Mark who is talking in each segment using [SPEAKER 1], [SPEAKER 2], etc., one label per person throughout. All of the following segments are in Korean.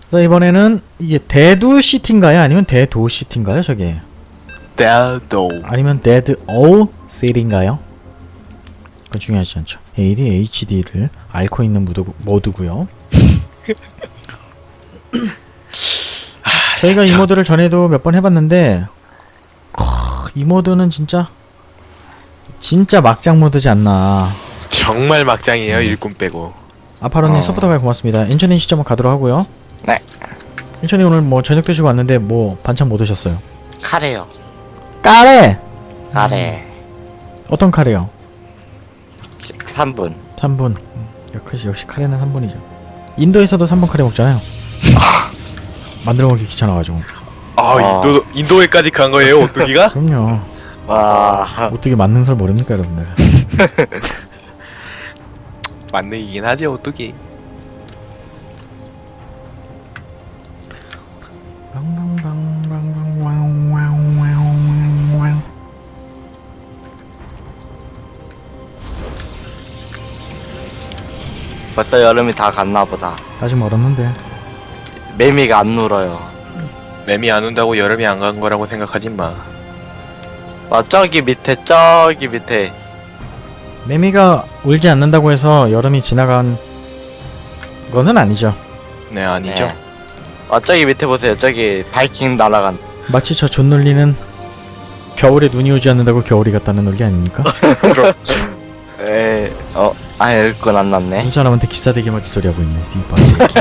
[SPEAKER 1] 그래서 이번에는 이게 데두 시티인가요? 아니면 데도 시티인가요? 저게
[SPEAKER 2] 데도.
[SPEAKER 1] 아니면 데드 오 시티인가요? 그건 중요하지 않죠. ADHD를 앓고 있는 모드고요. 저희가 이 모드를 전에도 몇 번 해봤는데 이 모드는 진짜 막장 모드지 않나.
[SPEAKER 2] 정말 막장이에요. 일꾼 빼고.
[SPEAKER 1] 아파로님 서포터가 고맙습니다. 인천님 시점 가도록 하고요.
[SPEAKER 3] 네.
[SPEAKER 1] 인천이 오늘 뭐 저녁 드시고 왔는데 뭐 반찬 뭐 드셨어요?
[SPEAKER 3] 카레요.
[SPEAKER 1] 카레!
[SPEAKER 3] 카레.
[SPEAKER 1] 어떤 카레요?
[SPEAKER 3] 3분.
[SPEAKER 1] 3분. 역시 카레는 3분이죠. 인도에서도 3분 카레 먹잖아요. 만들어 먹기 귀찮아가지고.
[SPEAKER 2] 인도에까지 간 거예요, 오뚜기가?
[SPEAKER 1] 그럼요.
[SPEAKER 3] 와.
[SPEAKER 1] 오뚜기 만능설 모릅니까 여러분들?
[SPEAKER 2] 만능이긴 하죠, 오뚜기.
[SPEAKER 3] 벌써 여름이 다 갔나 보다.
[SPEAKER 1] 아직 멀었는데.
[SPEAKER 3] 매미가 안 울어요.
[SPEAKER 2] 매미 안 온다고 여름이 안 간 거라고 생각하지 마.
[SPEAKER 3] 와, 저기 밑에.
[SPEAKER 1] 매미가 울지 않는다고 해서 여름이 지나간 거는 아니죠.
[SPEAKER 2] 네, 아니죠.
[SPEAKER 3] 네. 와, 저기 밑에 보세요. 저기 바이킹 날아간.
[SPEAKER 1] 마치 저 존논리는 겨울에 눈이 오지 않는다고 겨울이 같다는 논리 아닙니까?
[SPEAKER 2] 그렇죠.
[SPEAKER 3] 에, 아예 읽고 안 났네.
[SPEAKER 1] 두 사람한테 기싸대기 맞을 소리 하고 있네. 씨발.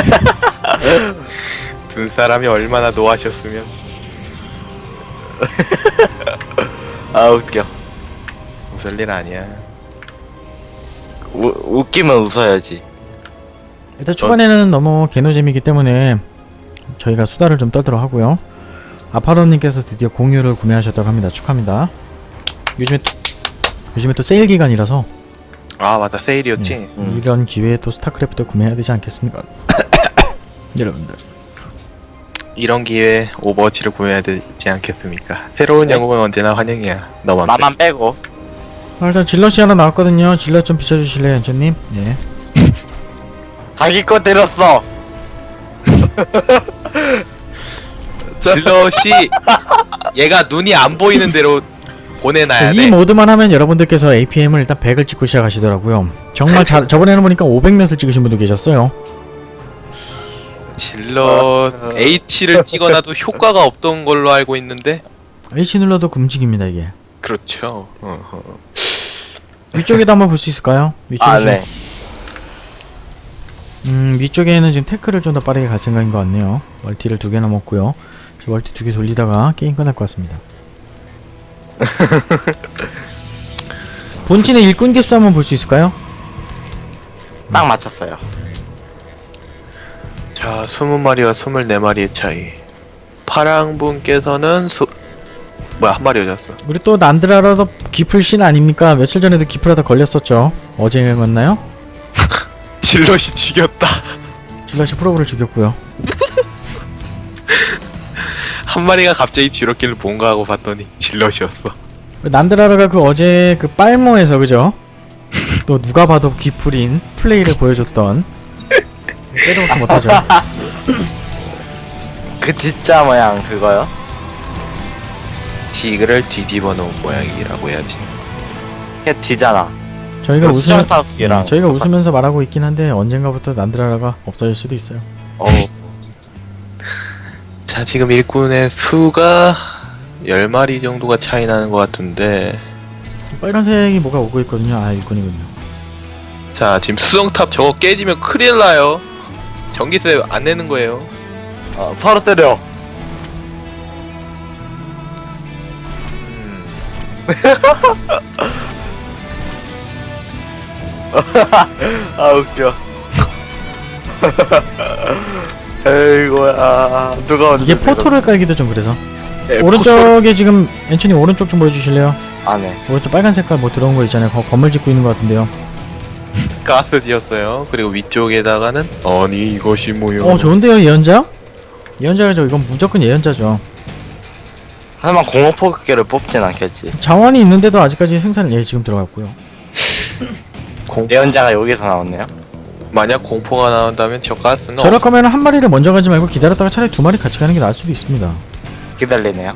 [SPEAKER 2] 두 사람이 얼마나 노하셨으면.
[SPEAKER 3] 아, 웃겨.
[SPEAKER 2] 웃을 일 아니야.
[SPEAKER 3] 웃기면 웃어야지.
[SPEAKER 1] 일단 초반에는 너무 개노잼이기 때문에 저희가 수다를 좀 떨도록 하고요. 아파로님께서 드디어 공유를 구매하셨다고 합니다. 축하합니다. 요즘에 또 세일 기간이라서
[SPEAKER 2] 아, 맞다. 세일이었지.
[SPEAKER 1] 이런 기회에 또 스타크래프트 구매해야 되지 않겠습니까? 여러분들.
[SPEAKER 2] 이런 기회에 오버워치를 구매해야 되지 않겠습니까? 새로운 영웅은 언제나 환영이야. 너만
[SPEAKER 3] 나만 빼고.
[SPEAKER 1] 일단 질럿이 하나 나왔거든요. 질럿 좀 비춰주실래요, 연주님? 예.
[SPEAKER 3] 자기 거 때렸어.
[SPEAKER 2] 질럿이 얘가 눈이 안 보이는 대로 보내놔야
[SPEAKER 1] 이
[SPEAKER 2] 돼.
[SPEAKER 1] 모드만 하면 여러분들께서 APM을 일단 100을 찍고 시작하시더라고요. 정말 저번에는 보니까 500몇을 찍으신 분도 계셨어요.
[SPEAKER 2] 질럿 H를 찍어놔도 효과가 없던 걸로 알고 있는데.
[SPEAKER 1] H 눌러도 금직입니다, 이게.
[SPEAKER 2] 그렇죠.
[SPEAKER 1] 위쪽에도 한번 볼 수 있을까요? 위쪽에
[SPEAKER 3] 아,
[SPEAKER 1] 좀-
[SPEAKER 3] 네.
[SPEAKER 1] 위쪽에는 지금 태클을 좀 더 빠르게 갈 생각인 것 같네요. 멀티를 2개나 먹고요. 저 멀티 2개 돌리다가 게임 끝날 것 같습니다. 본진의 일꾼 개수 한번 볼 수 있을까요?
[SPEAKER 3] 딱 맞췄어요.
[SPEAKER 2] 자, 20마리와 24마리의 차이. 파랑분께서는 뭐야, 한 마리 여졌어.
[SPEAKER 1] 우리 또 난드라라도 기풀신 아닙니까? 며칠 전에도 기풀하다 걸렸었죠. 어제였나요?
[SPEAKER 2] 질럿이 죽였다.
[SPEAKER 1] 질럿이 프로브를 죽였고요.
[SPEAKER 2] 한 마리가 갑자기 뒤로길을 뭔가 하고 봤더니 질럿이었어.
[SPEAKER 1] 난드라라가 그 어제 그 빨모에서 그죠? 또 누가 봐도 기풀인 플레이를 보여줬던 때도 먹지 못하죠.
[SPEAKER 3] 그 D자 모양 그거요?
[SPEAKER 2] 디그를 뒤집어 놓은 모양이라고 해야지.
[SPEAKER 3] 그게 D잖아.
[SPEAKER 1] 저희가
[SPEAKER 3] 수정탑이랑
[SPEAKER 1] 웃으면서 말하고 있긴 한데 언젠가부터 난드라라가 없어질 수도 있어요.
[SPEAKER 2] 자, 지금 일꾼의 수가 10마리 정도가 차이 나는 것 같은데.
[SPEAKER 1] 빨간색이 뭐가 오고 있거든요. 아, 일꾼이군요.
[SPEAKER 2] 자, 지금 수정탑 저거 깨지면 큰일 나요. 전기세 안 내는 거예요.
[SPEAKER 3] 서로 때려. 아, 웃겨. 에이고야. 누가 언제
[SPEAKER 1] 이게 포토를 깔기도 좀 그래서.
[SPEAKER 2] 네,
[SPEAKER 1] 오른쪽에 지금 엔초님 오른쪽 좀 보여주실래요?
[SPEAKER 3] 안 해.
[SPEAKER 1] 오른쪽 빨간 색깔 뭐 들어온 거 있잖아요. 건물 짓고 있는 것 같은데요.
[SPEAKER 2] 가스 지었어요. 그리고 위쪽에다가는 아니 이것이 뭐요?
[SPEAKER 1] 좋은데요, 예언자? 예언자죠. 이건 무조건 예언자죠.
[SPEAKER 3] 하지만 공업포격기를 뽑진 않겠지.
[SPEAKER 1] 자원이 있는데도 아직까지 생산을 지금 들어갔고요.
[SPEAKER 3] 예언자가 여기서 나왔네요.
[SPEAKER 2] 만약 공포가 나온다면 저 가스는
[SPEAKER 1] 저럴 거면 한 마리를 먼저 가지 말고 기다렸다가 차라리 두 마리 같이 가는 게 나을 수도 있습니다.
[SPEAKER 3] 기다리네요.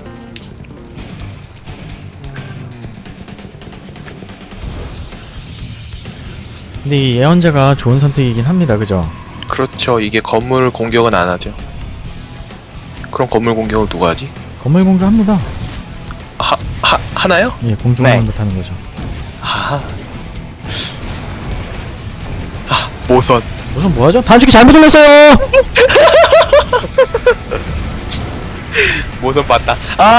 [SPEAKER 1] 근데 이 예언자가 좋은 선택이긴 합니다. 그죠?
[SPEAKER 2] 그렇죠. 이게 건물 공격은 안 하죠. 그럼 건물 공격을 누가 하지?
[SPEAKER 1] 건물 공격합니다.
[SPEAKER 2] 하나요?
[SPEAKER 1] 예, 공중을
[SPEAKER 3] 네.
[SPEAKER 1] 공격하는 거죠.
[SPEAKER 2] 모선.
[SPEAKER 1] 우선 뭐하죠? 단축키 잘못 눌렀어요!
[SPEAKER 2] 모선 봤다.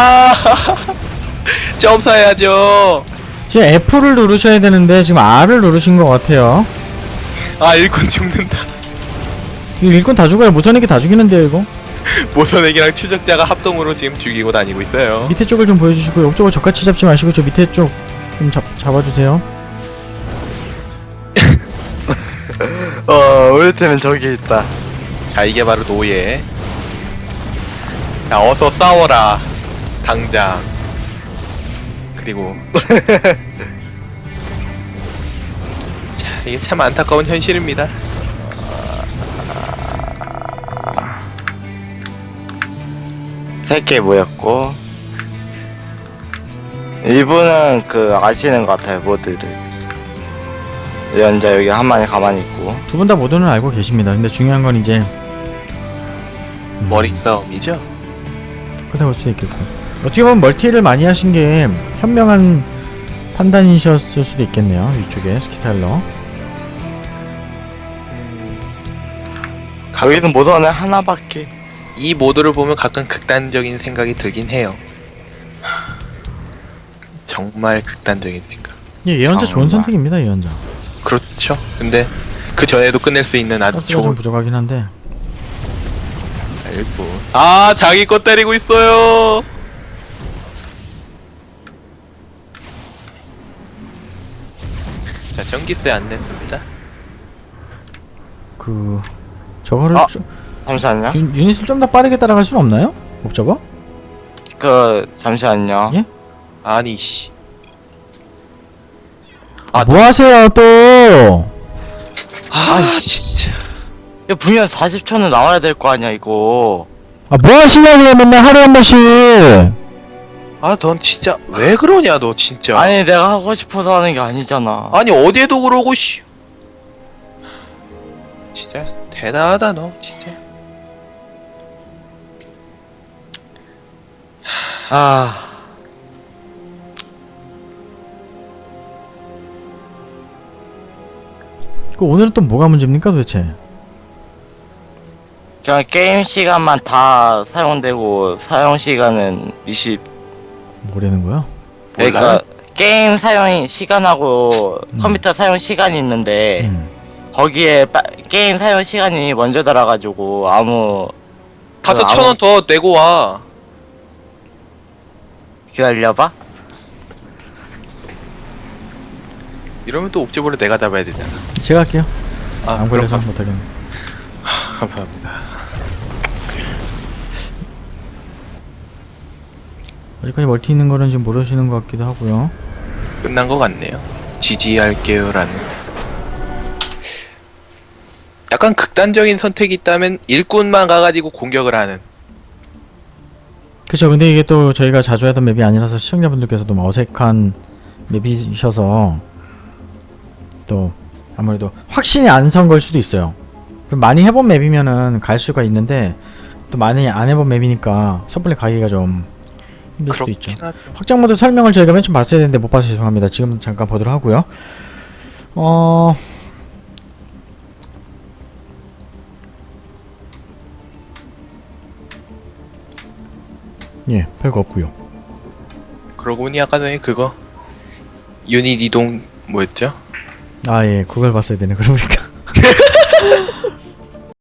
[SPEAKER 2] 점사해야죠.
[SPEAKER 1] 지금 F를 누르셔야 되는데 지금 R을 누르신 것 같아요.
[SPEAKER 2] 일꾼 죽는다.
[SPEAKER 1] 이거 일꾼 다 죽어요. 무선에게 다 죽이는데요 이거.
[SPEAKER 2] 모선에게랑 추적자가 합동으로 지금 죽이고 다니고 있어요.
[SPEAKER 1] 밑에 쪽을 좀 보여주시고 옆쪽을 적같이 잡지 마시고 저 밑에 쪽 좀 잡아주세요.
[SPEAKER 3] 우리 팀은 저기 있다.
[SPEAKER 2] 자, 이게 바로 노예. 자, 어서 싸워라. 당장. 그리고 자, 이게 참 안타까운 현실입니다.
[SPEAKER 3] 세 개 모였고 일부는 그 아시는 것 같아요 모드를. 연자 여기 한 마리 가만히 있고.
[SPEAKER 1] 두 분 다 모두는 알고 계십니다. 근데 중요한 건 이제
[SPEAKER 2] 머리 싸움이죠.
[SPEAKER 1] 그렇다 볼 수도 있겠고 어떻게 보면 멀티를 많이 하신 게 현명한 판단이셨을 수도 있겠네요. 위쪽에 스키타일러.
[SPEAKER 3] 여기는 모선은 하나밖에.
[SPEAKER 2] 이 모드를 보면 가끔 극단적인 생각이 들긴 해요. 정말 극단적인 생각.
[SPEAKER 1] 예, 예언자 좋은
[SPEAKER 3] 정말.
[SPEAKER 1] 선택입니다. 예언자.
[SPEAKER 2] 그렇죠. 근데 그 전에도 끝낼 수 있는 아주
[SPEAKER 1] 가스가 좀
[SPEAKER 2] 좋은
[SPEAKER 1] 부족하긴 한데
[SPEAKER 2] 일부. 자기 거 때리고 있어요. 자, 전기세 안 냈습니다.
[SPEAKER 1] 그 저거를
[SPEAKER 3] 잠시만요.
[SPEAKER 1] 유닛을 좀 더 빠르게 따라갈 수는 없나요? 옵저버?
[SPEAKER 3] 잠시만요.
[SPEAKER 1] 예?
[SPEAKER 2] 아니 씨.
[SPEAKER 1] 뭐 하세요 또?
[SPEAKER 2] 진짜.
[SPEAKER 3] 이거 분명 40초는 나와야 될 거 아니야 이거.
[SPEAKER 1] 뭐 하시냐고요 맨날 하루에 한 번씩.
[SPEAKER 2] 넌 진짜 왜 그러냐 너 진짜.
[SPEAKER 3] 아니 내가 하고 싶어서 하는 게 아니잖아.
[SPEAKER 2] 아니 어디에도 그러고 씨. 진짜 대단하다 너 진짜.
[SPEAKER 1] 그 오늘은 또 뭐가 문제입니까 도대체?
[SPEAKER 3] 그냥 게임 시간만 다 사용되고 사용 시간은 20.
[SPEAKER 1] 뭐라는 거야?
[SPEAKER 3] 그러니까 게임 사용 시간하고 컴퓨터 사용 시간이 있는데 거기에 게임 사용 시간이 먼저 달아가지고
[SPEAKER 2] 가서 1,000원 더 내고 와.
[SPEAKER 3] 기다려봐.
[SPEAKER 2] 이러면 또 옥제보를 내가 잡아야 되잖아.
[SPEAKER 1] 제가 할게요. 안 걸려서
[SPEAKER 2] 그럼
[SPEAKER 1] 못하겠네.
[SPEAKER 2] 감사합니다.
[SPEAKER 1] 어디까지 멀티 있는 거는 지금 모르시는 것 같기도 하고요.
[SPEAKER 2] 끝난 것 같네요. 지지할게요라는. 약간 극단적인 선택이 있다면 일꾼만 가가지고 공격을 하는.
[SPEAKER 1] 그쵸. 근데 이게 또 저희가 자주 하던 맵이 아니라서 시청자분들께서도 좀 어색한 맵이셔서 또 아무래도 확신이 안 선 걸 수도 있어요. 많이 해본 맵이면은 갈 수가 있는데 또 많이 안 해본 맵이니까 섣불리 가기가 좀 힘들 수도 있죠.
[SPEAKER 2] 하죠.
[SPEAKER 1] 확장 모드 설명을 저희가 맨 처음 봤어야 되는데 못 봐서 죄송합니다. 지금 잠깐 보도록 하고요. 예, 별거 없고요.
[SPEAKER 2] 그러고 보니 아까 전에 그거 유닛 이동 뭐였죠?
[SPEAKER 1] 아, 예, 그걸 봤어야 되네. 그러고 보니까.